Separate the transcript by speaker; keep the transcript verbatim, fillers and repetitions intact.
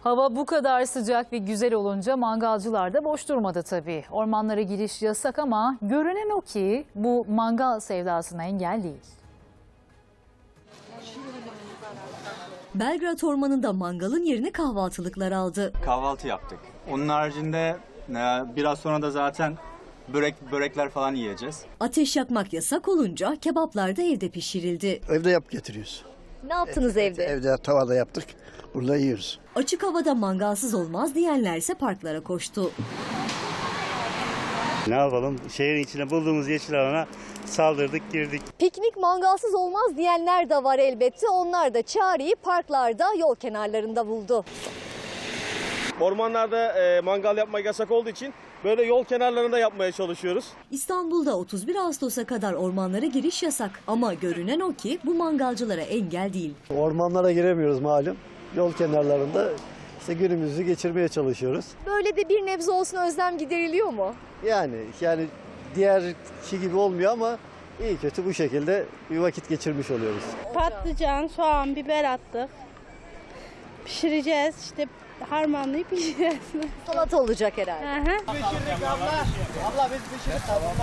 Speaker 1: Hava bu kadar sıcak ve güzel olunca mangalcılar da boş durmadı tabii. Ormanlara giriş yasak ama görünen o ki bu mangal sevdasına engel değil.
Speaker 2: Belgrad Ormanı'nda mangalın yerini kahvaltılıklar aldı.
Speaker 3: Kahvaltı yaptık. Onun haricinde e, biraz sonra da zaten börek börekler falan yiyeceğiz.
Speaker 2: Ateş yakmak yasak olunca kebaplar da evde pişirildi.
Speaker 4: Evde yap getiriyoruz.
Speaker 2: Ne yaptınız evde?
Speaker 4: Evde tavada yaptık. Burada yiyoruz.
Speaker 2: Açık havada mangalsız olmaz diyenlerse parklara koştu.
Speaker 5: Ne yapalım? Şehrin içine bulduğumuz yeşil alana saldırdık, girdik.
Speaker 6: Piknik mangalsız olmaz diyenler de var elbette. Onlar da çareyi parklarda, yol kenarlarında buldu.
Speaker 7: Ormanlarda e, mangal yapmak yasak olduğu için böyle yol kenarlarında yapmaya çalışıyoruz.
Speaker 2: İstanbul'da otuz bir Ağustos'a kadar ormanlara giriş yasak. Ama görünen o ki bu mangalcılara engel değil.
Speaker 8: Ormanlara giremiyoruz malum. Yol kenarlarında işte günümüzü geçirmeye çalışıyoruz.
Speaker 6: Böyle de bir nebze olsun özlem gideriliyor mu?
Speaker 8: Yani yani diğer kişi gibi olmuyor ama iyi kötü bu şekilde bir vakit geçirmiş oluyoruz.
Speaker 9: Patlıcan, soğan, biber attık. Pişireceğiz işte harmanlayıp pişireceğiz.
Speaker 6: Salata olacak herhalde.
Speaker 9: Hı hı.